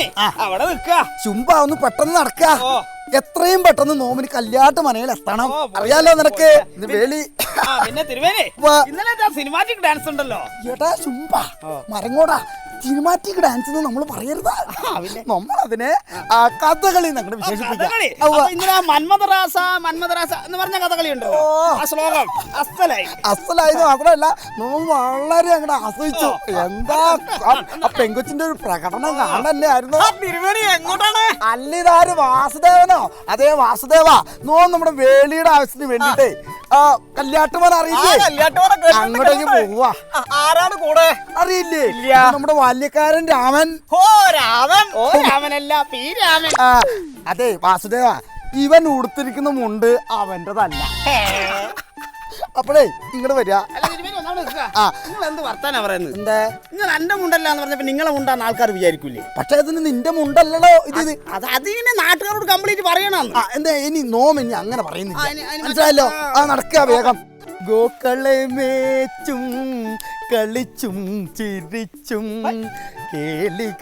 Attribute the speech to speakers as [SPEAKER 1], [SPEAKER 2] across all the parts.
[SPEAKER 1] അവിടെ നിൽക്കുക.
[SPEAKER 2] ചുമ്പ ഒന്ന് പെട്ടെന്ന് നടക്ക. എത്രയും പെട്ടെന്ന് നോമിന് കല്യാട്ട് മനയിൽ എത്തണം. അറിയാലോ നിനക്ക് വേലി.
[SPEAKER 1] പിന്നെ തിരുവേലി ഇന്നലെ സിനിമാറ്റിക് ഡാൻസ് ഉണ്ടല്ലോ.
[SPEAKER 2] ഏട്ടാ ചുമ്പ മരങ്ങോടാ. സിനിമാറ്റിക് ഡാൻസ് നമ്മൾ പറയരുത്. നമ്മളതിനെ കഥകളി ഞങ്ങൾ വിശേഷിപ്പിക്കാം.
[SPEAKER 1] മന്മഥരാസ എന്ന് പറഞ്ഞ കഥകളി ഉണ്ടോ? ശ്ലോകം
[SPEAKER 2] അസലായത് മാത്രമല്ല നമ്മൾ വളരെ അങ്ങോട്ട് ആസ്വദിച്ചു. എന്താ ആ പെങ്കൊച്ചിന്റെ ഒരു പ്രകടനം കാണല്ലേ ആയിരുന്നു.
[SPEAKER 1] എങ്ങോട്ടാണ്?
[SPEAKER 2] അല്ലിതാര് വാസുദേവനോ? അതേ വാസുദേവ നമ്മുടെ വേലിയുടെ ആവശ്യത്തിന് വേണ്ടിട്ടേ കല്യാട്ടുമാൻ അറിയില്ലേ? അങ്ങോട്ടേക്ക് പോവാ.
[SPEAKER 1] ആരാണ് കൂടെ?
[SPEAKER 2] അറിയില്ലേ? നമ്മുടെ ബാല്യക്കാരൻ രാമൻ.
[SPEAKER 1] രാമനല്ല, പി രാമൻ.
[SPEAKER 2] അതെ വാസുദേവ, ഇവൻ ഉടുത്തിരിക്കുന്ന മുണ്ട് അവന്റെതല്ല. അപ്പോഴേ ഇങ്ങോട്ട് വരിക.
[SPEAKER 1] എന്ത് വർത്താനാ പറയുന്നത്?
[SPEAKER 2] എന്താ
[SPEAKER 1] നിങ്ങൾ എന്റെ മുണ്ടല്ലാന്ന് പറഞ്ഞപ്പോ നിങ്ങളെ മുണ്ടാന്ന് ആൾക്കാർ വിചാരിക്കൂലേ?
[SPEAKER 2] പക്ഷെ അതിന് നിന്റെ മുണ്ടല്ലോ ഇത്.
[SPEAKER 1] അതിനെ നാട്ടുകാരോട് കംപ്ലീറ്റ് പറയണം.
[SPEAKER 2] എന്താ ഇനി നോമിനി അങ്ങനെ പറയുന്നില്ല, മനസ്സിലായല്ലോ? നടക്കുക വേഗം. ഗോക്കളെ മേച്ചും കളിച്ചും ചിരിച്ചും കേളികളാടി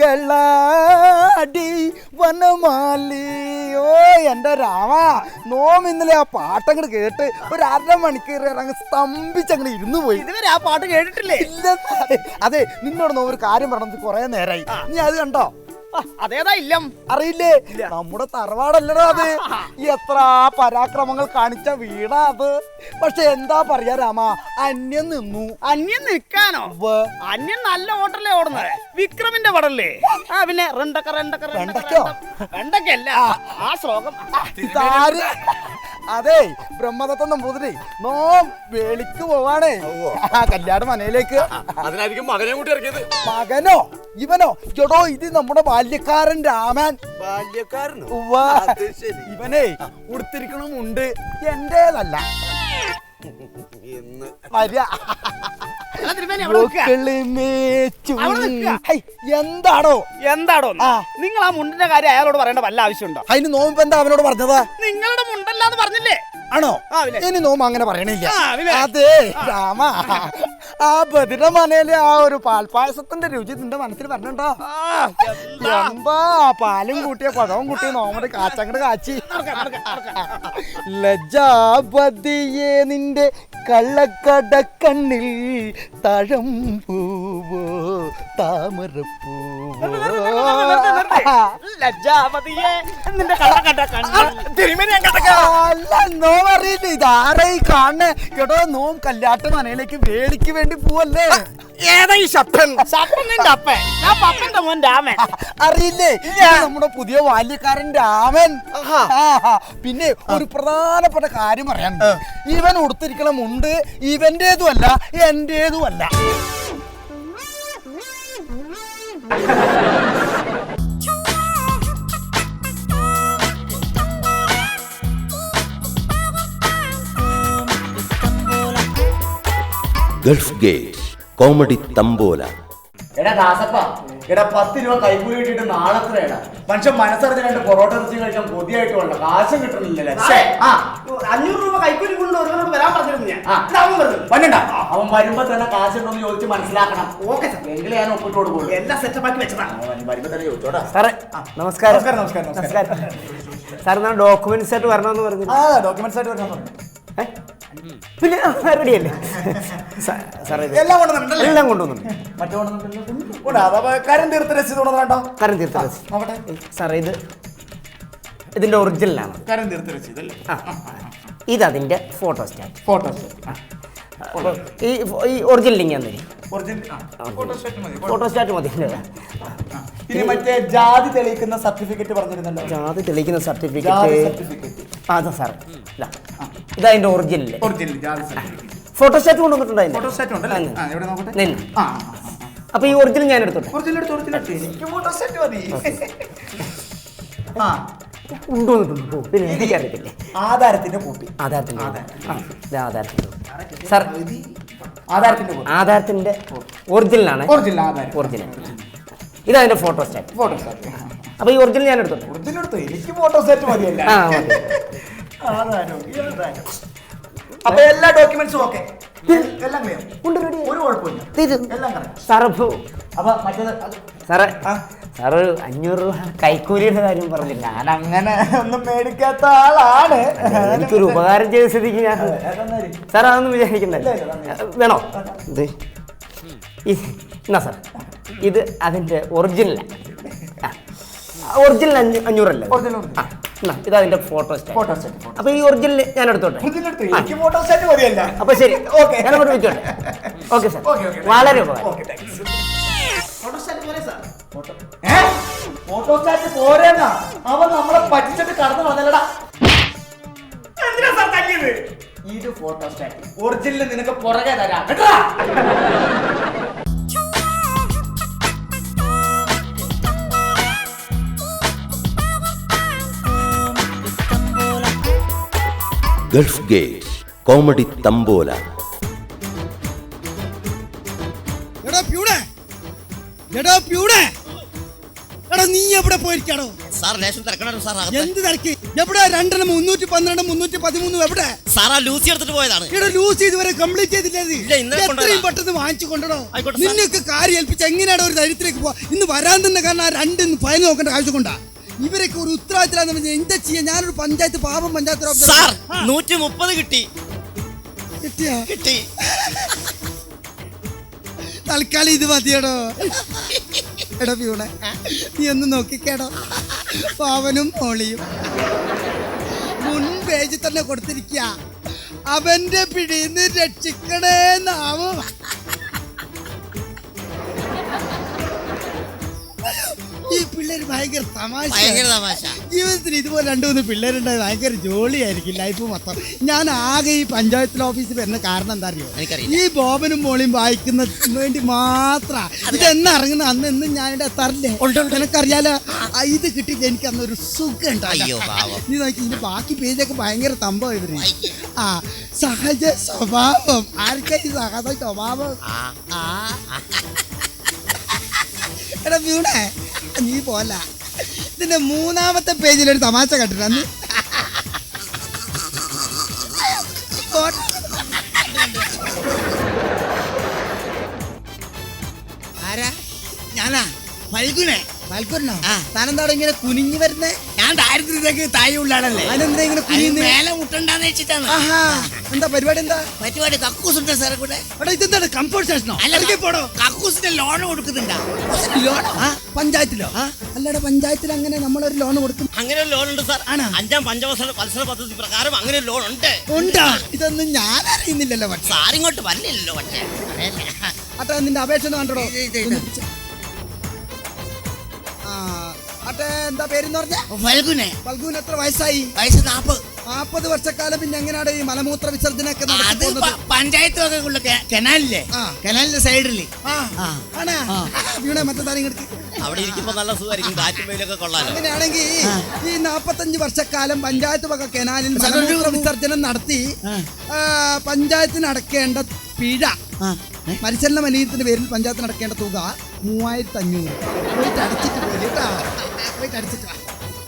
[SPEAKER 2] വനമാലിയോ. എന്റെ രാമ, നോം ഇന്നലെ ആ പാട്ടങ്ങട് കേട്ട് ഒരു 1/2 മണിക്കൂർ അങ്ങ് സ്തംഭിച്ചങ്ങനെ ഇരുന്നു പോയി.
[SPEAKER 1] ഇതുവരെ ആ പാട്ട് കേട്ടിട്ടില്ലേ?
[SPEAKER 2] ഇല്ല. അതെ, നിന്നോട് നോം ഒരു കാര്യം പറഞ്ഞത് കുറെ നേരമായി. നീ അത് കണ്ടോ?
[SPEAKER 1] അതേതാ ഇല്ലം?
[SPEAKER 2] അറിയില്ലേ? നമ്മുടെ തറവാടല്ലടോ അത്. എത്ര പരാക്രമങ്ങൾ കാണിച്ച വീടാ അത്. പക്ഷെ എന്താ പറയാ രാമ, അന്യം നിന്നു.
[SPEAKER 1] അന്യം നിൽക്കാനോ? അന്യം നല്ല ഹോട്ടലേ ഓടുന്നത്. വിക്രമിന്റെ പടല്ലേ? പിന്നെ വെണ്ടക്കല്ല ആ ശ്ലോകം.
[SPEAKER 2] അതെ, ബ്രഹ്മദത്തം നമ്പൂതിരി നോം വേളിക്ക് പോവാണേ, കല്യാണ മനയിലേക്ക്.
[SPEAKER 3] അതിനായിരിക്കും മകനെ കൂട്ടി ഇറക്കിയത്.
[SPEAKER 2] മകനോ? ഇവനോ? ചേട്ടോ, ഇത് നമ്മുടെ ബാല്യക്കാരൻ രാമൻ.
[SPEAKER 3] ബാല്യക്കാരനോ?
[SPEAKER 2] ഇവനെ ഉടുത്തിരിക്കണമുണ്ട് എന്റേതല്ല.
[SPEAKER 1] എന്താടോ നിങ്ങൾ ആ മുണ്ടിന്റെ കാര്യം അയാളോട് പറയേണ്ട വല്ല ആവശ്യമുണ്ടോ?
[SPEAKER 2] അതിന് നോമ്പ് എന്താ അവനോട് പറഞ്ഞത്?
[SPEAKER 1] നിങ്ങളുടെ മുണ്ടല്ലാന്ന് പറഞ്ഞില്ലേ?
[SPEAKER 2] ആണോ? ഇനി നോമ്പ് അങ്ങനെ പറയണില്ല. അതെ രാമ, ആ ബദിര മനയിലെ ആ ഒരു പാൽപ്പായസത്തിന്റെ രുചി നിന്റെ മനസ്സിൽ പറഞ്ഞോ? എന്താ പാലും കൂട്ടിയ പഴവും കൂട്ടിയ നോമയുടെ കാച്ചങ്ങട് കാച്ചി. ലജ്ജാപതിയെ നിന്റെ കള്ളക്കട കണ്ണിൽ തഴം പൂവോ താമരപ്പൂവോ.
[SPEAKER 1] ലജ്ജാപതിയെ നിന്റെ കള്ളക്കട
[SPEAKER 2] അല്ല, നോം അറിയില്ല ഇതാരായി കാണണേ? കേട്ടോ, നോം കല്യാട്ട് മനയിലേക്ക് വേലിക്ക് വേണ്ടി പോവല്ലേ?
[SPEAKER 1] ഏതാ ഈ ശപ്പൻ? നിന്റെ അപ്പൻ? ഞാൻ പപ്പന്റെ മോൻ രാമൻ.
[SPEAKER 2] അറിയില്ലേ? നമ്മുടെ പുതിയ ബാല്യക്കാരൻ രാമൻ. പിന്നെ ഒരു പ്രധാനപ്പെട്ട കാര്യം പറയാൻ, ഇവൻ ഉടുത്തിരിക്കണ മുണ്ട് ഇവന്റേതുമല്ല എന്റേതുമല്ല.
[SPEAKER 4] Gulf Gate comedy tambola.
[SPEAKER 5] എടാ ദാസപ്പ, എടാ 10 രൂപ കൈക്കൂലി കിട്ടിയിട്ട് നാളെത്രയാണ്? മനുഷ്യൻ മനസ്സറിഞ്ഞ് 2 പൊറോട്ട ഇറച്ചി കഴിക്കാൻ കൊതിയായിട്ട് വേണ്ട, കാശും കിട്ടുന്നില്ലല്ലേ?
[SPEAKER 1] 500 രൂപ കൈക്കൂലി കൊണ്ട് ഒരുവനോട് വരാൻ പറഞ്ഞിരുന്നു ഞാൻ.
[SPEAKER 5] പണ്ടണ്ട, അവൻ വരുമ്പോ തന്നെ കാശുണ്ടോന്ന് ചോദിച്ച് മനസ്സിലാക്കണം. ഓക്കെ സാർ, എങ്കിലും ഞാൻ ഒപ്പിട്ട് കൊടുക്കുള്ളൂ.
[SPEAKER 1] എല്ലാം സെറ്റപ്പാക്കി വെച്ചതാണ്.
[SPEAKER 5] വരുമ്പോ തന്നെ ചോദിച്ചോടാ.
[SPEAKER 6] സാറേ നമസ്കാരം. സാർ ഞാൻ ഡോക്യുമെന്റ്സ് ആയിട്ട് വരണമെന്ന് പറഞ്ഞു.
[SPEAKER 5] ഡോക്യുമെന്റ്സ് ആയിട്ട് വരണം പറഞ്ഞു.
[SPEAKER 6] പിന്നെ റെഡിയല്ലേ സാറേ?
[SPEAKER 5] എല്ലാം കൊണ്ടുവന്നിട്ടുണ്ടല്ലേ?
[SPEAKER 6] എല്ലാം കൊണ്ടുവന്നു.
[SPEAKER 5] മറ്റു കരം തീർത്ത രസീത് കൊണ്ടുവന്നോ?
[SPEAKER 6] കരം തീർത്ത രസീത് നോക്കട്ടെ സാറേ. ഇതിന്റെ ഒറിജിനലാണ്.
[SPEAKER 5] കരം തീർത്ത രസീത് അല്ലേ?
[SPEAKER 6] ഇതതിന്റെ ഫോട്ടോ സ്റ്റാറ്റ്. ഈ ഒറിജിനൽ ലിങ്ക് തന്നെ. ഫോട്ടോ സ്റ്റാറ്റ് മതി.
[SPEAKER 5] ഇനി മറ്റേ ജാതി തെളിയിക്കുന്ന സർട്ടിഫിക്കറ്റ് പറഞ്ഞിരുന്നല്ലോ.
[SPEAKER 6] ജാതി തെളിയിക്കുന്ന സർട്ടിഫിക്കറ്റ് അതാ സാർ. ഇതതിന്റെ ഒറിജിനൽ ഫോട്ടോ സ്റ്റാറ്റ് കൊണ്ടുവന്നിട്ടുണ്ടായിരുന്നു. അപ്പൊ ഈ ഒറിജിനൽ ഞാൻ എടുത്തോട്ടെ. കൊണ്ടുവന്നിട്ടുണ്ടോ? പിന്നെ എനിക്കറിയത്തില്ലേ.
[SPEAKER 5] ആധാരത്തിന്റെ കോപ്പി.
[SPEAKER 6] സാർ ആധാരത്തിന്റെ ഒറിജിനലാണ്. ഒറിജിനൽ ഇതതിന്റെ ഫോട്ടോ സ്റ്റാറ്റ്. അപ്പൊ ഈ ഒറിജിനൽ ഞാൻ എടുത്തോട്ടെ.
[SPEAKER 5] എനിക്ക് ഫോട്ടോ സ്റ്റാറ്റ് മതിയല്ല. അപ്പൊ എല്ലാ ഡോക്യുമെന്റ്സും ഓക്കെ, എല്ലാം ക്ലിയർ, ഒരു കുഴപ്പമില്ല, എല്ലാം correct.
[SPEAKER 6] സാറ്
[SPEAKER 5] അപ്പൊ മറ്റേത്
[SPEAKER 6] സാറേ സാറ് 500 രൂപ കൈക്കൂലിയുടെ കാര്യം പറഞ്ഞില്ല.
[SPEAKER 5] ഞാൻ അങ്ങനെ ഒന്നും മേടിക്കാത്ത ആളാണ്.
[SPEAKER 6] എനിക്കൊരു ഉപകാരം ചെയ്ത സ്ഥിതിക്ക് ഞാൻ സാർ അതൊന്നും വിചാരിക്കണ്ടല്ലോ. വേണോ ഇത് എന്നാ സാർ ഇത് അതിന്റെ ഒറിജിനലാണ്. ഒറിജിനൽ 500 അല്ലേ? ഇത് അതിന്റെ ഫോട്ടോ സ്റ്റാറ്റ്. അപ്പൊ ഈ ഒറിജിനൽ ഞാൻ എടുത്തോട്ടെ. അപ്പൊ ശരി, ഞാൻ അങ്ങോട്ട് വെച്ചോട്ടെ. ഓക്കെ സാർ, വളരെ ഉപകാരം.
[SPEAKER 5] ഫോട്ടോസ്റ്റാറ്റ് പോരെന്നാ അവൻ നമ്മളെ പറ്റിച്ചിട്ട് കടന്നു വന്നല്ലടാ. ഇത് ഫോട്ടോസ്റ്റാറ്റ് ഒറിജിനൽ നിനക്ക് പുറകെ തരാം കേട്ടോ.
[SPEAKER 4] Gulf Gate comedy tambola.
[SPEAKER 7] നീ എവിടെ പോയിരിക്കാണോ? എന്ത് തിരക്ക്? എവിടെ? 2 312 313 എവിടെ?
[SPEAKER 8] ലൂസി എടുത്തിട്ട് പോയതാണ്.
[SPEAKER 7] ഇവിടെ ലൂസി ഇതുവരെ കംപ്ലീറ്റ് ചെയ്തില്ലേ? എത്രയും പെട്ടെന്ന് വാങ്ങിച്ചു കൊണ്ടോ. നിന്നൊക്കെ കാര്യം ഏൽപ്പിച്ച് എങ്ങനെയാണ് ഒരു ധൈര്യത്തിലേക്ക് പോവാ? ഇന്ന് വരാൻ തന്നെ കാരണം ആ 2 ഫയൽ നോക്കേണ്ട ആവശ്യം കൊണ്ടാ. ഇവരൊക്കെ ഒരു ഉത്തരവാദിത്തം എന്താ ചെയ്യാ? ഞാനൊരു പഞ്ചായത്ത് പാപം പഞ്ചായത്ത്
[SPEAKER 8] 130 കിട്ടി.
[SPEAKER 7] കിട്ടി. തൽക്കാലം ഇത് മതിയടോ. എടാ പ്യൂണെ, നീ ഒന്ന് നോക്കിക്കേടോ. പാവനും മോളിയും മുൻ പേജിൽ തന്നെ കൊടുത്തിരിക്കുക. അവന്റെ പിടിന്ന് രക്ഷിക്കണേന്നാവും. ഈ പിള്ളേര് ഭയങ്കര തമാശ. ജീവിതത്തിൽ ഇതുപോലെ 2-3 പിള്ളേരുണ്ടായി ഭയങ്കര ജോളിയായിരിക്കും ലൈഫ് മൊത്തം. ഞാൻ ആകെ ഈ പഞ്ചായത്തിൽ ഓഫീസിൽ വരുന്ന കാരണം എന്താ അറിയോ? ഈ ബോബനും മോളിയും വായിക്കുന്ന വേണ്ടി മാത്ര. ഇതെന്ന് ഇറങ്ങുന്ന അന്ന് എന്നും ഞാനിവിടെ എത്താറില്ലേ? നിനക്കറിയാലോ, ഇത് കിട്ടിയിട്ട് എനിക്ക് അന്നൊരു സുഖം ഉണ്ടായി. നീ നോക്കി ഇതിന്റെ ബാക്കി പേജൊക്കെ ഭയങ്കര തമ്പം ഇവര്. സഹജ സ്വഭാവം. ആർക്കാ ഈ സഹജ സ്വഭാവം? എടാ വീണേ, നീ പോല ഇതിന്റെ 3ാമത്തെ പേജിലൊരു തമാശ കണ്ടിട്ട് അന്ന് ആരാ? ഞാനാ ഫൽഗുനെ. ഫൽഗുനോ? താനെന്താടോ ഇങ്ങനെ കുനിഞ്ഞു വരുന്നേ? ഞാൻ ദാരിദ്ര്യത്തേക്ക് താഴെ ഉള്ളാണല്ലേ. അതിനെന്താ ഇങ്ങനെ കുനിഞ്ഞ് മേലെ മുട്ടണ്ടാന്ന് വെച്ചിട്ടാണ്. എന്താ പരിപാടി? എന്താ പരിപാടി? കക്കൂസുണ്ട് സാറെ കൂടെ. അവിടെ ഇതെന്താണ് കംഫോർട്ട് സ്റ്റേഷനോ? അല്ലെങ്കിൽ പോടോ. കക്കൂസിന്റെ ലോൺ കൊടുക്കുന്നുണ്ടോ? ലോൺ പഞ്ചായത്തിലോ? അല്ലടാ, പഞ്ചായത്തിൽ അങ്ങനെ നമ്മളൊരു ലോൺ കൊടുക്കും.
[SPEAKER 8] അങ്ങനെ ഒരു ലോൺ ഉണ്ട് സാർ. 5ാം പഞ്ചവത്സര പദ്ധതി പ്രകാരം അങ്ങനെ ഒരു ലോൺ ഉണ്ട്.
[SPEAKER 7] ഉണ്ടാ? ഇതൊന്നും ഞാൻ അറിയുന്നില്ലല്ലോ.
[SPEAKER 8] സാറിങ്ങോട്ട് വരില്ലല്ലോ.
[SPEAKER 7] അട്ടെ, നിന്റെ അപേക്ഷ ഒന്ന് കണ്ടോ? എന്താ പേരെന്ന് പറഞ്ഞ? ഫൽഗുനെ. ഫൽഗുന് എത്ര വയസ്സായി? വയസ്സ് 40 വർഷക്കാലം. പിന്നെ എങ്ങനെയാണ് ഈ മലമൂത്ര വിസർജനൊക്കെ നടക്കുന്നത്? പഞ്ചായത്ത് കനാലില്ലേ? കനാലിന്റെ സൈഡില്. മറ്റേ
[SPEAKER 8] അവിടെ ഇരിക്കുമ്പോ നല്ല സുഖമായിരിക്കും, കാറ്റും വെയിലൊക്കെ കൊള്ളാലോ.
[SPEAKER 7] അങ്ങനെയാണെങ്കിൽ ഈ 45 വർഷക്കാലം പഞ്ചായത്ത് വക കനാലിൽ മലമൂത്ര വിസർജനം നടത്തി പഞ്ചായത്തിന് അടക്കേണ്ട പിഴ, പരിശീലന മലിനത്തിന്റെ പേരിൽ പഞ്ചായത്തിന് അടക്കേണ്ട തുക 3500. പോയിട്ട് അടിച്ചിട്ട് പോലെ കേട്ടാ. പോയിട്ട് അടിച്ചിട്ട് വാ.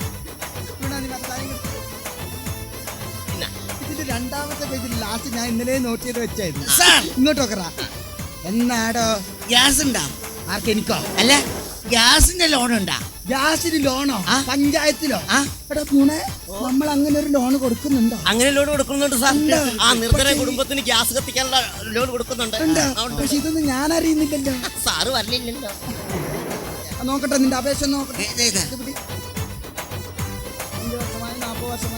[SPEAKER 7] ഇതിന്റെ 2ാമത്തെ പേജിൽ ലാസ്റ്റ് ഞാൻ ഇന്നലെ നോട്ട് ചെയ്ത് വെച്ചായിരുന്നു. ഇങ്ങോട്ട് നോക്കറാ. എന്നാടോ ഗ്യാസ് ഉണ്ടാ? ആർക്കെനിക്കോ? അല്ല, ഗ്യാസിന്റെ ലോൺ ഉണ്ടാ? ഗ്യാസിന് ലോണോ? പഞ്ചായത്തിലോ? എടാ പൂണെ, നമ്മൾ അങ്ങനെ ഒരു ലോൺ കൊടുക്കുന്നുണ്ടോ?
[SPEAKER 8] അങ്ങനെ ലോൺ കൊടുക്കുന്നുണ്ട് സാർ. നിർധന കുടുംബത്തിന് ഗ്യാസ് കത്തിക്കാനുള്ള ലോൺ കൊടുക്കുന്നുണ്ട്.
[SPEAKER 7] പക്ഷെ ഇതൊന്നും ഞാൻ അറിയുന്നില്ലല്ലോ.
[SPEAKER 8] സാറ് വരലില്ലല്ലോ.
[SPEAKER 7] നോക്കട്ടെ, നിന്റെ അപേക്ഷ നോക്കട്ടെ. 5 വർഷമായി 40 വർഷമായി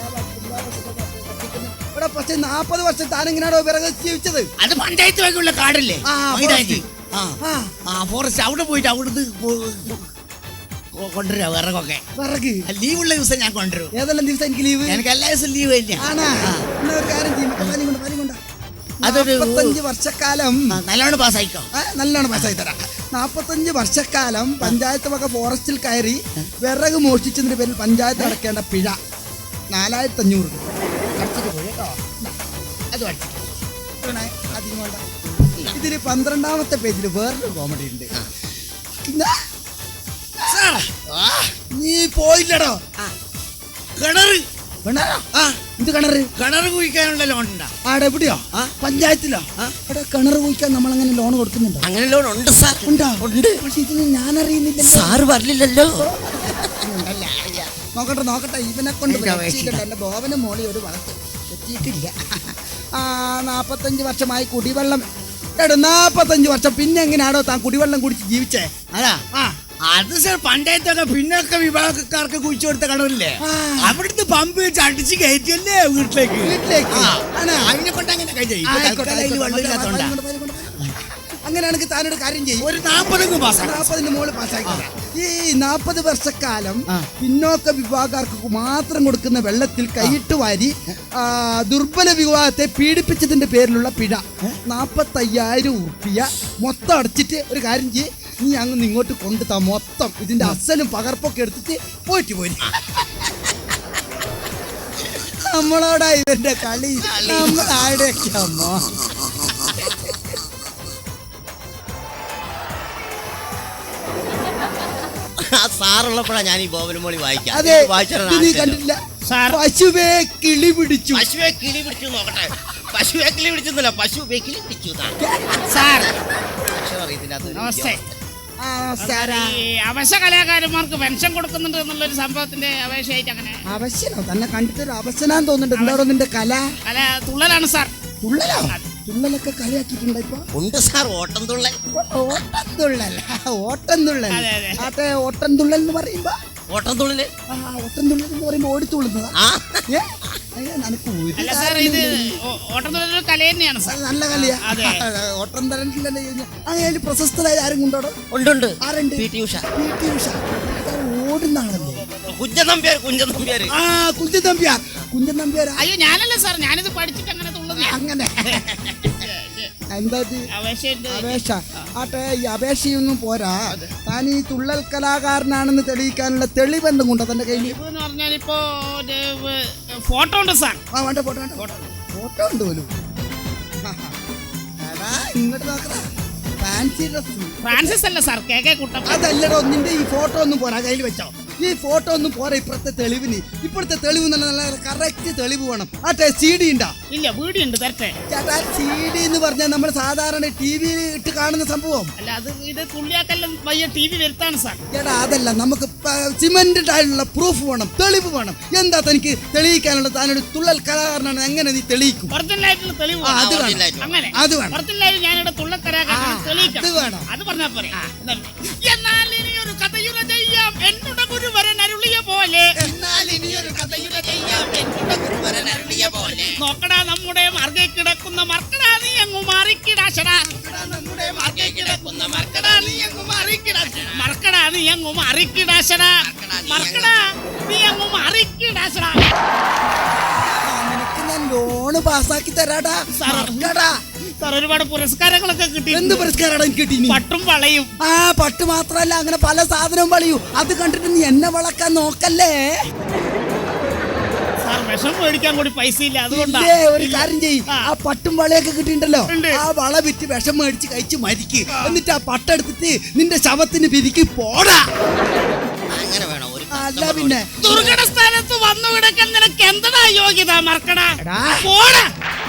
[SPEAKER 7] ഇവിടെ. പക്ഷെ 40 വർഷം താനെങ്ങനെയാണോ വിറക് ജീവിച്ചത്? അത് പഞ്ചായത്ത് വകയുള്ള കാടല്ലേ? ഫോറസ്റ്റ്. അവിടെ പോയിട്ട് അവിടുന്ന് കൊണ്ടുവരാ വിറകൊക്കെ. വിറക് ലീവുള്ള ദിവസം ഞാൻ കൊണ്ടുവരും. ഏതെല്ലാം ദിവസം എനിക്ക് ലീവ്? എനിക്ക് എല്ലാ ദിവസം ലീവ് ഇല്ല. ഒരു കാര്യം ചെയ്യും, അതൊരു 45 വർഷക്കാലം നല്ലോണം പാസ്സായിക്കോ. നല്ലോണം പാസ്സായി തരാം. 45 വർഷക്കാലം പഞ്ചായത്ത് വക ഫോറസ്റ്റിൽ കയറി വിറക് മോഷ്ടിച്ചതിന്റെ പേരിൽ പഞ്ചായത്ത് അടക്കേണ്ട പിഴ 4500 രൂപ. അടിച്ചിട്ട് പോയി കേട്ടോ. അത് അടിച്ചിട്ട് അധികം വേണ്ട. ഇതില് 12ാമത്തെ പേജിൽ വേറൊരു കോമഡി ഉണ്ട്. നീ പോയില്ലടോ കിണറ്. എന്ത് കിണറ്?
[SPEAKER 8] കിണർ കുഴിക്കാനുള്ള ലോൺ ഉണ്ടാ?
[SPEAKER 7] ആടെ എവിടെയോ? പഞ്ചായത്തിലോ? അവിടെ കിണർ കുഴിക്കാൻ നമ്മൾ അങ്ങനെ ലോൺ കൊടുക്കുന്നുണ്ടോ?
[SPEAKER 8] അങ്ങനെ ലോൺ ഉണ്ട് സാർ.
[SPEAKER 7] ഉണ്ടോ? ഉണ്ട്. പക്ഷെ ഇത് ഞാൻ അറിയുന്നില്ലല്ലോ.
[SPEAKER 8] സാറ് പറഞ്ഞില്ലല്ലോ.
[SPEAKER 7] നോക്കട്ടെ ഇവനെ കൊണ്ട് എന്റെ ബോവനും മോളി ഒരു വളർത്ത് എത്തിയിട്ടില്ല. 45 വർഷമായി കുടിവെള്ളം. 45 വർഷം പിന്നെ എങ്ങനെയാണോ താൻ കുടിവെള്ളം കുടിച്ച് ജീവിച്ചേ?
[SPEAKER 8] അതാ അത് സാർ പഞ്ചായത്തൊക്കെ പിന്നൊക്കെ വിഭാഗക്കാർക്ക് കുഴിച്ചു കൊടുത്ത കിണറില്ലേ, അവിടുന്ന് പമ്പ് വെച്ച് അടിച്ച് കയറ്റിയല്ലേ വീട്ടിലേക്ക്. അതിനെ കൊണ്ട് അങ്ങനെ
[SPEAKER 7] അങ്ങനെയാണെങ്കിൽ താനൊരു കാര്യം ചെയ്യും,
[SPEAKER 8] ഒരു 40
[SPEAKER 7] മോള് പാസ്സാക്കി. ഈ 40 വർഷക്കാലം പിന്നോക്ക വിഭാഗക്കാർക്ക് മാത്രം കൊടുക്കുന്ന വെള്ളത്തിൽ കൈയിട്ട് വാരി ദുർബല വിഭാഗത്തെ പീഡിപ്പിച്ചതിന്റെ പേരിലുള്ള പിഴ 45,000 ഉറുപ്പിക മൊത്തം അടച്ചിട്ട് ഒരു കാര്യം ചെയ്യ്, നീ അങ്ങ് ഇങ്ങോട്ട് കൊണ്ടുതാ. മൊത്തം ഇതിന്റെ അസലും പകർപ്പൊക്കെ എടുത്തിട്ട് പോയിട്ട് പോയി. നമ്മളോടാ ഇവന്റെ കളി, നമ്മളാടെയൊക്കെ അമ്മ.
[SPEAKER 8] സാറുള്ളപ്പോഴാ ഞാൻ ഈ ബോബനും മോളി വായിക്കാം.
[SPEAKER 7] അതെ, നീ കണ്ടില്ല? പശുവേ കിളി പിടിച്ചു.
[SPEAKER 8] പശുവെ കിളി പിടിച്ചു നോക്കട്ടെ. പശുവെ കിളി പിടിച്ചൊന്നുമില്ല, പശുവെ കിളി പിടിച്ചു.
[SPEAKER 1] സാർ
[SPEAKER 8] അറിയത്തില്ല.
[SPEAKER 1] നമസ്തേ. അവശ കലാകാരന്മാർക്ക് പെൻഷൻ കൊടുക്കുന്നുണ്ട് എന്നുള്ളൊരു സംഭവത്തിന്റെ അപേക്ഷയായിട്ട് അങ്ങനെ.
[SPEAKER 7] അവശനോ? തന്നെ കണ്ടിട്ടൊരു അവശനാന്ന് തോന്നുന്നുണ്ട്. എന്താണോ നിന്റെ കല?
[SPEAKER 1] തുള്ളലാണ് സാർ.
[SPEAKER 7] തുള്ളലോ? തുള്ളലൊക്കെ കളിയാക്കിയിട്ടുണ്ടോ ഇപ്പൊ?
[SPEAKER 8] ഉണ്ട് സാർ, ഓട്ടം തുള്ളൽ.
[SPEAKER 7] ഓട്ടം തുള്ളൽ. അതെ, ഓട്ടം തുള്ളൽ എന്ന് പറയുമ്പോ
[SPEAKER 8] ഓട്ടം തുള്ളല്.
[SPEAKER 7] ഓട്ടം തുള്ളൽ എന്ന് പറയുമ്പോ ഓടിത്തുള്ളുന്നതാ. നല്ല കളിയാ. ഓട്ടം തരണ്ടില്ലല്ലേ. അങ്ങനെ പ്രശസ്തരായ ആരും കൊണ്ടോടോ?
[SPEAKER 8] ഉണ്ട്.
[SPEAKER 7] ആരുണ്ട്?
[SPEAKER 8] PT ഉഷ.
[SPEAKER 7] ഓടുന്നാണല്ലേ?
[SPEAKER 8] കുഞ്ചൻ നമ്പ്യാർ. കുഞ്ചൻ നമ്പ്യാർ.
[SPEAKER 1] അയ്യോ ഞാനല്ല സാർ, ഞാനിത് പഠിച്ചിട്ട് അങ്ങനെ തുള്ളുന്നേ.
[SPEAKER 7] അങ്ങനെ എന്താ അപേക്ഷ? ആട്ടെ, ഈ അപേക്ഷയൊന്നും പോരാ. താൻ ഈ തുള്ളൽ കലാകാരനാണെന്ന് തെളിയിക്കാനുള്ള തെളിവ് എന്തും കൊണ്ടോ തന്റെ കയ്യിൽ?
[SPEAKER 1] എന്ന് പറഞ്ഞാൽ ഇപ്പോ ഫോട്ടോ ഉണ്ട് സാർ.
[SPEAKER 7] വേണ്ട, ഫോട്ടോ ഉണ്ട് പോലും. ഇങ്ങോട്ട് നോക്കടാ. Fancy dress.
[SPEAKER 1] ഫ്രാൻസിസ് അല്ല സാർ, KK കുട്ടൻ.
[SPEAKER 7] അതല്ലടോ, നിന്റെ ഈ ഫോട്ടോ ഒന്നും പോരാ, കയ്യിൽ വെച്ചോ. ഈ ഫോട്ടോ ഒന്നും പോരാ ഇപ്പോഴത്തെ തെളിവിന്. ഇപ്പോഴത്തെ തെളിവ് നല്ല കറക്റ്റ് തെളിവ് വേണം. ആട്ടെ, CD ഉണ്ടോ?
[SPEAKER 1] ഇല്ല, വീഡിയോ ഉണ്ട്, തരട്ടെ.
[SPEAKER 7] ചേട്ടാ, CD എന്ന് പറഞ്ഞാൽ നമ്മൾ സാധാരണ TV ഇട്ട് കാണുന്ന സംഭവം
[SPEAKER 1] അല്ല. ഇത് തുള്ളിയാക്കെല്ലാം വയ്യ TV വരുത്താണ് സാർ.
[SPEAKER 7] ചേട്ടാ, അതല്ല, നമുക്ക് സിമെന്റഡ് ആയിട്ടുള്ള പ്രൂഫ് വേണം, തെളിവ് വേണം. എന്താ തനിക്ക് തെളിയിക്കാനുള്ള? താനൊരു തുള്ളൽ കലാകാരനാണ്, എങ്ങനെ നീ തെളിയിക്കും?
[SPEAKER 1] ഒറിജിനലായിട്ടുള്ള തെളിവ്
[SPEAKER 7] അത് വേണം.
[SPEAKER 1] അങ്ങനെ
[SPEAKER 7] അത് വേണം.
[SPEAKER 1] ഒറിജിനലായിട്ട് ഞാനിവിടെ തുള്ളൽ കലാകാരനാണ് തെളിയിക്കാം.
[SPEAKER 7] അത് വേണം.
[SPEAKER 1] അത് പറഞ്ഞാൽ പോരെ. എന്നാൽ ഇനി ഒരു കഥയുര ചെയ്യാം എന്നോട് ഗുരുവരൻ അരുളിയ പോലെ. നോക്കടാ നമ്മുടെ മാർഗെ കിടക്കുന്ന മർക്കടാ നീ അങ്ങ് മാറിക്കിടാശടാ. മർക്കടാ നീ അങ്ങ് മാറിക്കിടാശടാ.
[SPEAKER 7] നിനക്ക് ഞാൻ ലോണ് പാസ്സാക്കി തരാടാ.
[SPEAKER 1] സാർ, ഒരുപാട് പുരസ്കാരങ്ങളൊക്കെ കിട്ടി.
[SPEAKER 7] എന്ത് പുരസ്കാരാണ് എനിക്ക് കിട്ടി?
[SPEAKER 1] പട്ടും വളയും.
[SPEAKER 7] പട്ട് മാത്രല്ല, അങ്ങനെ പല സാധനവും വളയൂ. അത് കണ്ടിട്ട് നീ എന്നെ വളക്കാൻ നോക്കല്ലേ.
[SPEAKER 1] സാർ, വിഷം മേടിക്കാൻ കൂടി പൈസ ഇല്ല, അതുകൊണ്ടാ.
[SPEAKER 7] ഒരു കാര്യം ചെയ്യ്, ആ പട്ടും വളയൊക്കെ കിട്ടിയിട്ടുണ്ടല്ലോ, ആ വള വിറ്റ് വിഷം മേടിച്ച് കഴിച്ച് മരിക്ക്. എന്നിട്ട് ആ പട്ടെടുത്തിട്ട് നിന്റെ ശവത്തിന് പിരിക്ക് പോടാ.
[SPEAKER 8] അങ്ങനെ വേണം.
[SPEAKER 7] അല്ല പിന്നെ
[SPEAKER 1] ദുർഘട സ്ഥാനത്ത് വന്നു കിടക്കാൻ നിനക്ക് എന്താ യോഗ്യത? മറക്കടാ, പോടാ.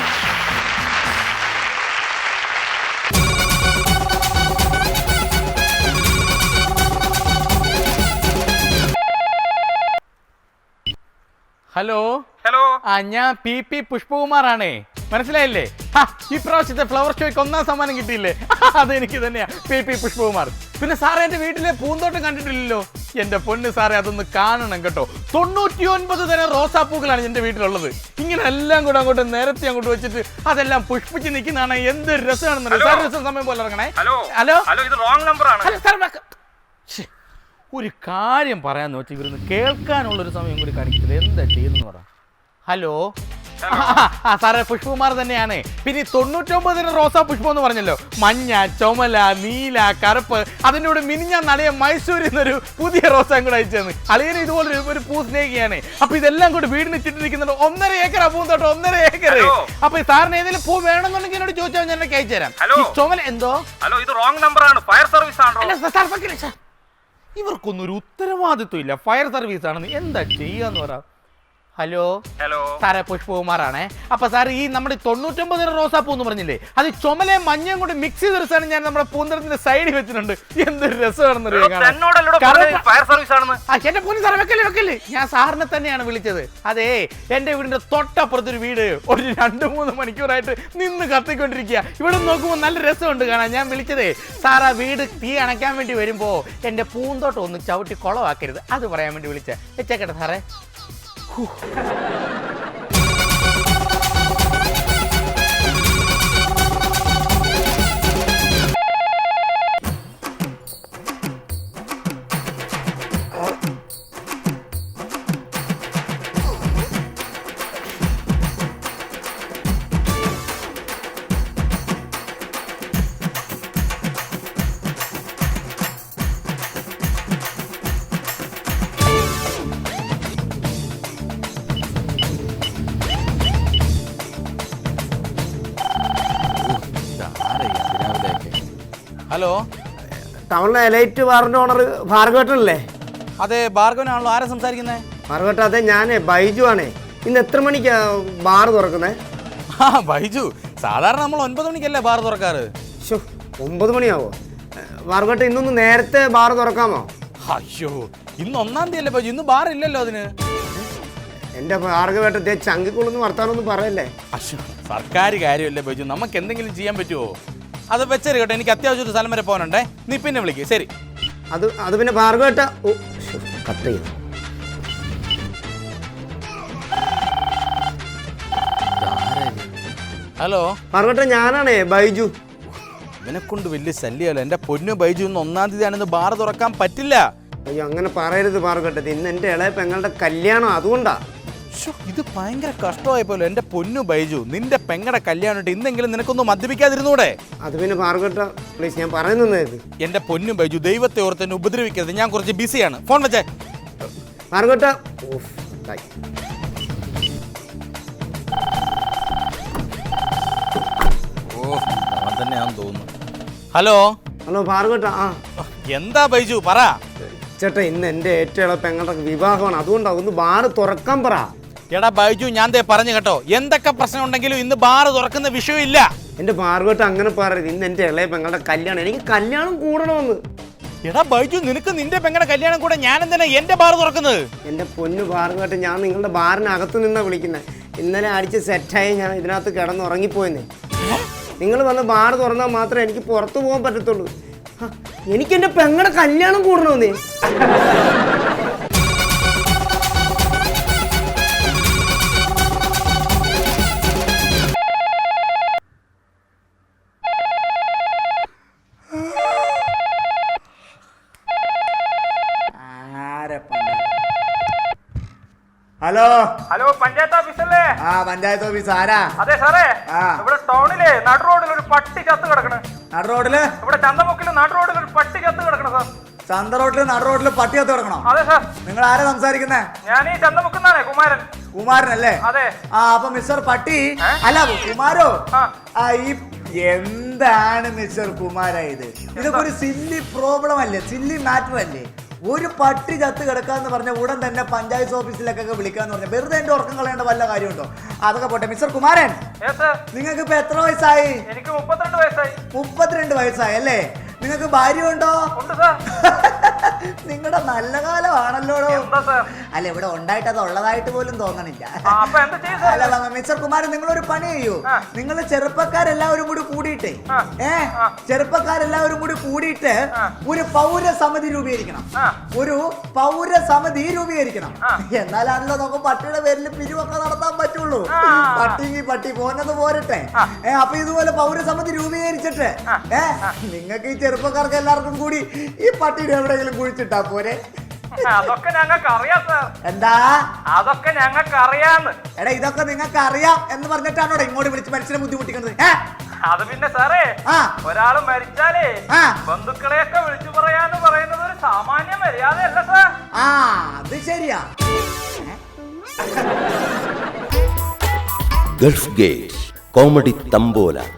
[SPEAKER 9] ഹലോ. ഞാൻ PP പുഷ്പകുമാറാണേ. മനസ്സിലായില്ലേ? ഈ പ്രാവശ്യത്തെ ഫ്ലവർ ഷോയ്ക്ക് 1ാം സമ്മാനം കിട്ടിയില്ലേ? അതെനിക്ക് തന്നെയാ, PP പുഷ്പകുമാർ. പിന്നെ സാറേ, എന്റെ വീട്ടിലെ പൂന്തോട്ടം കണ്ടിട്ടില്ലല്ലോ? എന്റെ പൊന്ന് സാറേ, അതൊന്ന് കാണണം കേട്ടോ. 99 തരം റോസാപ്പൂക്കളാണ് എന്റെ വീട്ടിലുള്ളത്. ഇങ്ങനെ എല്ലാം കൂടെ അങ്ങോട്ട് നേരത്തെ അങ്ങോട്ട് വെച്ചിട്ട് അതെല്ലാം പുഷ്പിച്ച് നിൽക്കുന്നതാണ്. എന്ത് രസമാണെന്ന് സാർ. രസം സമയം പോലെ ഇറങ്ങണേ. ഹലോ, ഒരു കാര്യം പറയാന്ന് വെച്ചാൽ ഇവരൊന്ന് കേൾക്കാനുള്ളൊരു സമയം കൂടി കാണിക്കുന്നത് എന്താ ചെയ്യുന്നു പറ. ഹലോ, സാറേ, പുഷ്പകുമാർ തന്നെയാണ്. പിന്നെ 99 തരം റോസാ പുഷ്പം എന്ന് പറഞ്ഞല്ലോ. മഞ്ഞ, ചുമല, നീല, കറുപ്പ്. അതിനോട് മിനിഞ്ഞാൻ നടയ മൈസൂരിൽ നിന്നൊരു പുതിയ റോസാ കൂടെ അയച്ചെന്ന്. അളിയന് ഇതുപോലെ ഒരു പൂ സ്നേഹിയാണ്. അപ്പൊ ഇതെല്ലാം കൂടി വീടിന് ചുറ്റിരിക്കുന്നുണ്ട്. 1.5 ഏക്കർ പൂന്തോട്ടം, 1.5 ഏക്കർ. അപ്പൊ സാറിന് ഏതെങ്കിലും പൂ വേണമെന്നുണ്ടെങ്കിൽ എന്നോട് ചോദിച്ചാൽ ഞാൻ അയച്ചു തരാം. ചുമല എന്തോ?
[SPEAKER 3] ഹലോ, ഇത് റോങ് നമ്പർ ആണ്. ഫയർ സർവീസ് ആണോ?
[SPEAKER 9] ഇവർക്കൊന്നും ഒരു ഉത്തരവാദിത്വം ഇല്ല. ഫയർ സർവീസ് ആണെന്ന് എന്താ ചെയ്യാന്ന് പറ. ഹലോ
[SPEAKER 3] ഹലോ
[SPEAKER 9] സാറേ പുഷ്പകുമാറാണേ. അപ്പൊ സാർ ഈ നമ്മുടെ 99 റോസാപ്പൂ എന്ന് പറഞ്ഞില്ലേ, അത് ചുമലയും മഞ്ഞയും കൂടി മിക്സ് ചെയ്തെടുത്താണ് ഞാൻ നമ്മുടെ പൂന്തരത്തിന്റെ സൈഡിൽ വെച്ചിട്ടുണ്ട്. എന്തൊരു രസമാണെന്ന്
[SPEAKER 3] ഫയർ സർവീസ് ആണെന്ന്.
[SPEAKER 9] എന്റെ പൊന്നു സാറേ വെക്കല്ലേ, ഞാൻ സാറിനെ തന്നെയാണ് വിളിച്ചത്. അതെ, എന്റെ വീടിന്റെ തൊട്ടപ്പുറത്തൊരു വീട് ഒരു 2-3 മണിക്കൂറായിട്ട് നിന്ന് കത്തിക്കൊണ്ടിരിക്കുക. ഇവിടെ നോക്കുമ്പോൾ നല്ല രസമുണ്ട് കാണാൻ. ഞാൻ വിളിച്ചതേ സാർ ആ വീട് തീ അണയ്ക്കാൻ വേണ്ടി വരുമ്പോ എന്റെ പൂന്തോട്ടം ഒന്ന് ചവിട്ടി കുളവാക്കരുത്, അത് പറയാൻ വേണ്ടി വിളിച്ചേ. വെച്ചേക്കട്ടെ സാറേ. ഹലോ,
[SPEAKER 6] ടൗണിലെ എലൈറ്റ് ബാറിന്റെ ഓണർ ഭാർഗവട്ടനല്ലേ?
[SPEAKER 9] അതെ, ഭാർഗവനാണല്ലോ. ആരാ സംസാരിക്കുന്നത്?
[SPEAKER 6] ഭാർഗവട്ട, അതെ ഞാനേ ബൈജു ആണേ. ഇന്ന് എത്ര മണിക്കാ ബാർ തുറക്കുന്നത്?
[SPEAKER 9] ബൈജു, സാധാരണ നമ്മൾ 9 മണിക്കല്ലേ ബാർ തുറക്കാറ്.
[SPEAKER 6] 9 മണിയാവോ? ഭാർഗവട്ട, ഇന്നൊന്ന് നേരത്തെ ബാർ തുറക്കാമോ?
[SPEAKER 9] അയ്യോ, ഇന്ന് 1-ാം തീയതി അല്ലേ ബൈജു, ഇന്ന് ബാർ ഇല്ലല്ലോ അതിന്.
[SPEAKER 6] എന്റെ ഭാർഗവട്ടത്തെ ചങ്കിക്കുള്ളൊന്നും വർത്താനൊന്നും പറയല്ലേ.
[SPEAKER 9] അയ്യോ, സർക്കാർ കാര്യമല്ലേ ബൈജു, നമുക്ക് എന്തെങ്കിലും ചെയ്യാൻ പറ്റുമോ? അത് വെച്ചേര് കേട്ടോ, എനിക്ക് അത്യാവശ്യം ഒരു സ്ഥലം വരെ പോകാനുണ്ടേ. നീ പിന്നെ വിളിക്കേ. ശരി.
[SPEAKER 6] അത് പിന്നെ ഭാർഗവട്ട കട്ട് ചെയ്തു.
[SPEAKER 9] ഹലോ
[SPEAKER 6] ഭാർഗവട്ട, ഞാനാണേ ബൈജു.
[SPEAKER 9] ഇവനെ കൊണ്ട് വലിയ ശല്യമല്ലോ. എന്റെ പൊന്നു ബൈജു, ഇന്ന് 1-ാം തീയതി ആണെന്ന് ബാർ തുറക്കാൻ പറ്റില്ല.
[SPEAKER 6] അയ്യോ, അങ്ങനെ പറയരുത് ഭാർഗവട്ട, ഇന്ന് എന്റെ ഇളയ പെങ്ങളുടെ കല്യാണം, അതുകൊണ്ടാ.
[SPEAKER 9] ഇത് ഭയങ്കര കഷ്ടമായപ്പോലോ. എന്റെ പൊന്നു ബൈജു, നിന്റെ പെങ്ങടെ കല്യാണം ഇന്നെങ്കിലും നിനക്കൊന്നും മദ്യപിക്കാതിരുന്നൂടെ?
[SPEAKER 6] അത് പിന്നെ ഭാർഗവട്ട പ്ലീസ്, ഞാൻ പറയുന്നത്.
[SPEAKER 9] എന്റെ പൊന്നു ബൈജു, ദൈവത്തെ ഓർത്ത് എന്നെ ഉപദ്രവിക്കരുത്. ഞാൻ കുറച്ച് ബിസിയാണ്. ഫോൺ വെച്ചേ.
[SPEAKER 6] ഭാർഗവട്ട,
[SPEAKER 9] അവൻ തന്നെയാണെന്ന് തോന്നുന്നു. ഹലോ
[SPEAKER 6] ഹലോ ഭാർഗവട്ട.
[SPEAKER 9] എന്താ ബൈജു, പറ.
[SPEAKER 6] ചേട്ടാ, ഇന്ന് എന്റെ ഏറ്റവും ഇളയ പെങ്ങളുടെ വിവാഹമാണ്, അതുകൊണ്ടാ ഒന്ന് ബാർ തുറക്കാൻ പറ.
[SPEAKER 9] എടാ ബൈജു, ഞാൻ പറഞ്ഞു കേട്ടോ, എന്തൊക്കെ പ്രശ്നം ഉണ്ടെങ്കിലും ഇന്ന് ബാർ തുറക്കുന്ന വിഷയമില്ല.
[SPEAKER 6] എന്റെ ഭാർഗവട്ട അങ്ങനെ പറയരുത്, ഇന്ന് എന്റെ ഇളയ പെങ്ങളുടെ കല്യാണം, എനിക്ക് കല്യാണം കൂടണമെന്ന്.
[SPEAKER 9] എടാ ബൈജു, നിനക്ക് നിന്റെ പെങ്ങളുടെ കല്യാണം കൂടെ ഞാൻ എന്തിനാ എന്റെ ബാർ തുറക്കുന്നത്?
[SPEAKER 6] എന്റെ പൊന്നു ഭാർഗവട്ട, ഞാൻ നിങ്ങളുടെ ബാറിനകത്ത് നിന്നാ വിളിക്കുന്നത്. ഇന്നലെ അടിച്ച് സെറ്റായി ഞാൻ ഇതിനകത്ത് കിടന്ന് ഉറങ്ങിപ്പോയെന്നേ. നിങ്ങൾ വന്ന് ബാർ തുറന്നാൽ മാത്രമേ എനിക്ക് പുറത്തു പോകാൻ പറ്റത്തുള്ളൂ. എനിക്ക് എന്റെ പെങ്ങളുടെ കല്യാണം കൂടണമെന്നേ.
[SPEAKER 5] ഹലോ
[SPEAKER 3] ഹലോ, പഞ്ചായത്ത് ഓഫീസല്ലേ?
[SPEAKER 5] പഞ്ചായത്ത് ഓഫീസ്. ആരാ?
[SPEAKER 3] അതെ സാറേ, ഇവിടെ ടൗണിലെ നടു റോഡിൽ ഒരു പട്ടി ചത്ത് കിടക്കണ്.
[SPEAKER 5] നടു റോഡില്?
[SPEAKER 3] ഇവിടെ ചന്തമുക്കില് നടു റോഡിൽ ഒരു പട്ടി ചത്ത് കിടക്കണം സാർ.
[SPEAKER 5] ചന്ത റോഡില് നടു റോഡില് പട്ടി ചത്ത് കിടക്കണോ?
[SPEAKER 3] അതെ സാർ.
[SPEAKER 5] നിങ്ങൾ ആരാ സംസാരിക്കുന്നേ?
[SPEAKER 3] ഞാൻ ഈ ചന്തമുക്കുന്നാണേ, കുമാരൻ.
[SPEAKER 5] കുമാരനല്ലേ?
[SPEAKER 3] അതെ.
[SPEAKER 5] അപ്പൊ മിസ്റ്റർ പട്ടി അല്ല കുമാരോ? എന്താണ് മിസ്റ്റർ കുമാര ഇതൊക്കെ ഒരു സില്ലി പ്രോബ്ലം അല്ലേ, സില്ലി മാറ്റർ അല്ലേ? ഒരു പട്ടി ചത്ത് കിടക്കാന്ന് പറഞ്ഞ ഉടൻ തന്നെ പഞ്ചായത്ത് ഓഫീസിലേക്കൊക്കെ വിളിക്കാന്ന് പറഞ്ഞ വെറുതെ എന്റെ ഉറക്കം കളയേണ്ട വല്ല കാര്യമുണ്ടോ? അതൊക്കെ പോട്ടെ. മിസ്റ്റർ കുമാരൻ, നിങ്ങൾക്ക് ഇപ്പൊ എത്ര വയസ്സായി?
[SPEAKER 3] എനിക്ക് 32 വയസ്സായി.
[SPEAKER 5] 32 വയസ്സായി അല്ലേ? നിങ്ങൾക്ക് ഭാര്യ ഉണ്ടോ? നിങ്ങളുടെ നല്ല കാലമാണല്ലോ. അല്ല, ഇവിടെ ഉണ്ടായിട്ട് അത് ഉള്ളതായിട്ട് പോലും തോന്നണില്ല. അല്ല മിസ്റ്റർ കുമാരൻ, നിങ്ങളൊരു പണി ചെയ്യൂ. നിങ്ങൾ ചെറുപ്പക്കാരെല്ലാവരും കൂടി കൂടിയിട്ടേ ഒരു പൗരസമിതി രൂപീകരിക്കണം. എന്നാലാണല്ലോ നമുക്ക് പട്ടിയുടെ പേരിൽ പിരിവൊക്കെ നടത്താൻ പറ്റുള്ളൂ. പട്ടിക്ക് പട്ടി പോന്നത് പോരട്ടെ. അപ്പൊ ഇതുപോലെ പൗരസമിതി രൂപീകരിച്ചിട്ട് നിങ്ങൾക്ക് ഈ ചെറുപ്പക്കാർക്ക് എല്ലാവർക്കും കൂടി ഈ പട്ടിയുടെ എവിടെയെങ്കിലും കുഴിച്ചിട്ടാ പോരെ?
[SPEAKER 3] അതൊക്കെ ഞങ്ങൾക്ക് അറിയാം സാർ.
[SPEAKER 5] എന്താ?
[SPEAKER 3] അതൊക്കെ ഞങ്ങൾക്ക് അറിയാന്ന്.
[SPEAKER 5] എടാ, ഇതൊക്കെ നിങ്ങൾക്ക് അറിയാം എന്ന് പറഞ്ഞിട്ടാണോ ഇങ്ങോട്ട് വിളിച്ച് മനുഷ്യനെ ബുദ്ധിമുട്ടിക്കുന്നത്?
[SPEAKER 3] അത് പിന്നെ സാറേ, ഒരാള് മരിച്ചാലേ ബന്ധുക്കളെയൊക്കെ വിളിച്ചു പറയാന്ന് പറയുന്നത് ഒരു സാമാന്യ മര്യാദയല്ല സാർ.
[SPEAKER 5] അത് ശരിയാ.
[SPEAKER 4] Gulf Gate comedy തമ്പോല.